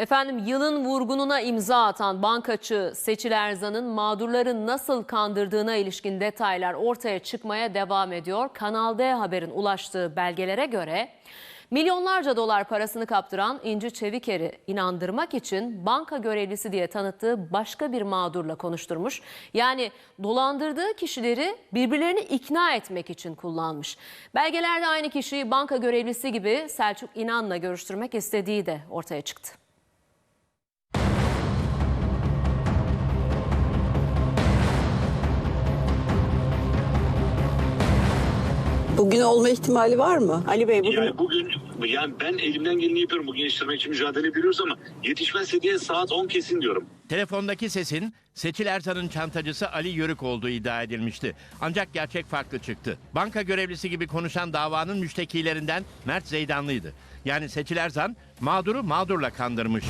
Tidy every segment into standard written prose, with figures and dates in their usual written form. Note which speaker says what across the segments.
Speaker 1: Efendim, yılın vurgununa imza atan bankacı Seçil Erzan'ın mağdurları nasıl kandırdığına ilişkin detaylar ortaya çıkmaya devam ediyor. Kanal D Haber'in ulaştığı belgelere göre milyonlarca dolar parasını kaptıran İnci Çeviker'i inandırmak için banka görevlisi diye tanıttığı başka bir mağdurla konuşturmuş. Yani dolandırdığı kişileri birbirlerini ikna etmek için kullanmış. Belgelerde aynı kişiyi banka görevlisi gibi Selçuk İnan'la görüştürmek istediği de ortaya çıktı.
Speaker 2: Bugün olma ihtimali var mı? Ali Bey
Speaker 3: bugün ben elimden geleni yapıyorum. Bugün yetiştirmek için mücadele ediyoruz ama yetişmezse diye saat 10 kesin diyorum.
Speaker 4: Telefondaki sesin Seçil Erzan'ın çantacısı Ali Yörük olduğu iddia edilmişti. Ancak gerçek farklı çıktı. Banka görevlisi gibi konuşan davanın müştekilerinden Mert Zeydanlı'ydı. Yani Seçil Erzan mağduru mağdurla kandırmış.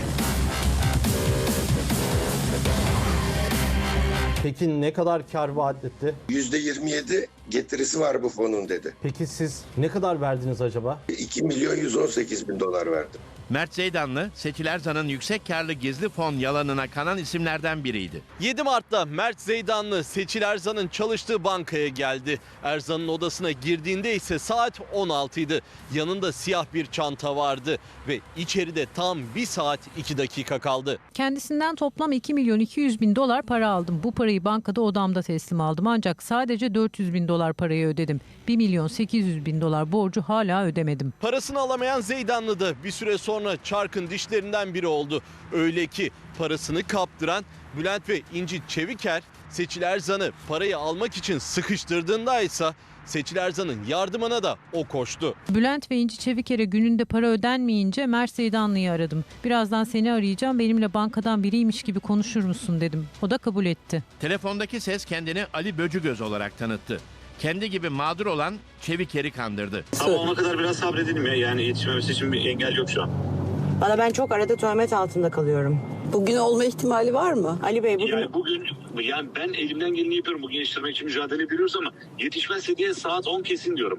Speaker 5: Peki ne kadar kar vaat etti?
Speaker 6: %27 getirisi var bu fonun dedi.
Speaker 5: Peki siz ne kadar verdiniz acaba?
Speaker 6: 2.118.000 dolar verdim.
Speaker 4: Mert Zeydanlı, Seçil Erzan'ın yüksek karlı gizli fon yalanına kanan isimlerden biriydi.
Speaker 7: 7 Mart'ta Mert Zeydanlı Seçil Erzan'ın çalıştığı bankaya geldi. Erzan'ın odasına girdiğinde ise saat 16'ydı. Yanında siyah bir çanta vardı ve içeride tam 1 saat 2 dakika kaldı.
Speaker 8: Kendisinden toplam 2.200.000 dolar para aldım. Bu parayı bankada odamda teslim aldım. Ancak sadece 400.000 dolar parayı ödedim. 1.800.000 dolar borcu hala ödemedim.
Speaker 7: Parasını alamayan Zeydanlı da bir süre sonra çarkın dişlerinden biri oldu. Öyle ki parasını kaptıran Bülent ve İnci Çeviker Seçil Erzan'ı parayı almak için sıkıştırdığında ise Seçil Erzan'ın yardımına da o koştu.
Speaker 8: Bülent ve İnci Çeviker'e gününde para ödenmeyince Mert Zeydanlı'yı aradım. Birazdan seni arayacağım, benimle bankadan biriymiş gibi konuşur musun dedim. O da kabul etti.
Speaker 4: Telefondaki ses kendini Ali Böcügöz olarak tanıttı. Kendi gibi mağdur olan Çeviker'i kandırdı.
Speaker 3: Ama ona kadar biraz sabredelim ya. Yani yetişmemesi için bir engel yok şu an.
Speaker 2: Valla ben çok arada töhmet altında kalıyorum. Bugün olma ihtimali var mı? Ali Bey
Speaker 3: Bugün ben elimden geleni yapıyorum. Bugün yetiştirmek için mücadele ediyoruz ama yetişmezse diye saat 10 kesin diyorum.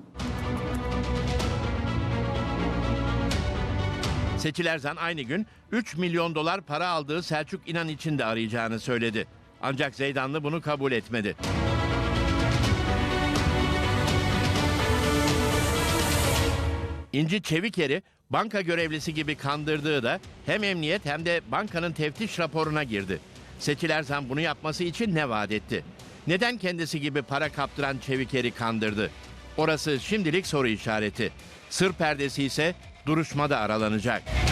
Speaker 4: Seçil Erzan aynı gün 3 milyon dolar para aldığı Selçuk İnan için de arayacağını söyledi. Ancak Zeydanlı bunu kabul etmedi. İnci Çeviker'i banka görevlisi gibi kandırdığı da hem emniyet hem de bankanın teftiş raporuna girdi. Seçil Erzan bunu yapması için ne vaat etti? Neden kendisi gibi para kaptıran Çeviker'i kandırdı? Orası şimdilik soru işareti. Sır perdesi ise duruşmada aralanacak.